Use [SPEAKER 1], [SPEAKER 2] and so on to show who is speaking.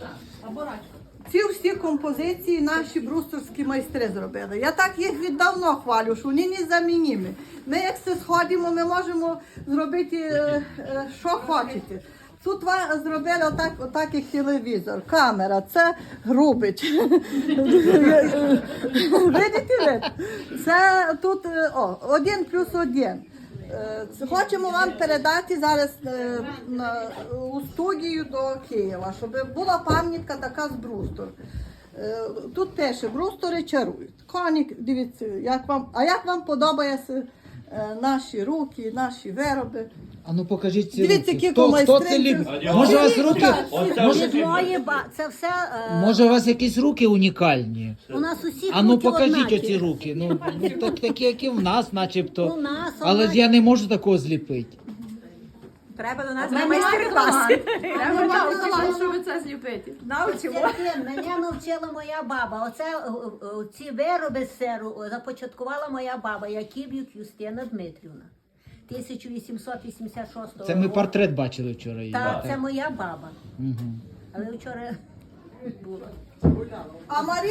[SPEAKER 1] Ці всі композиції наші брусторські майстри зробили. Я так їх віддавно хвалю, що вони незамінні. Ми як все сходимо, ми можемо зробити, що хочете. Тут зробили отак як телевізор, камера, це грубич. Видите ви? Це тут 1+1. Хочемо вам передати зараз у студію до Києва, щоб була пам'ятка така з Брустор. Тут пише, Брустори чарують. Конік, дивіться, як вам подобаються наші руки, наші вироби.
[SPEAKER 2] А ну покажіть ці
[SPEAKER 1] Дивіться,
[SPEAKER 2] руки.
[SPEAKER 1] які
[SPEAKER 2] Хто
[SPEAKER 1] майстри.
[SPEAKER 2] це любить? Може у вас руки?
[SPEAKER 3] Це все
[SPEAKER 2] Може у вас якісь руки унікальні?
[SPEAKER 3] у нас усі
[SPEAKER 2] А ну
[SPEAKER 3] руки
[SPEAKER 2] покажіть
[SPEAKER 3] однакі.
[SPEAKER 2] оці руки. Ну такі, як і в нас, начебто.
[SPEAKER 3] У нас
[SPEAKER 2] Але ж
[SPEAKER 3] однакі.
[SPEAKER 2] я не можу такого зліпити.
[SPEAKER 4] Треба до нас на майстер-клас. Треба талант, щоб це зліпити. Навчимо.
[SPEAKER 3] Мене навчила моя баба. Ці вироби з серу започаткувала моя баба Яків'юк Юстина Дмитрівна. 1886 року.
[SPEAKER 2] Це ми портрет бачили вчора. її.
[SPEAKER 3] Так, це моя баба.
[SPEAKER 2] Мгм.
[SPEAKER 3] Але вчора була.
[SPEAKER 1] А Марія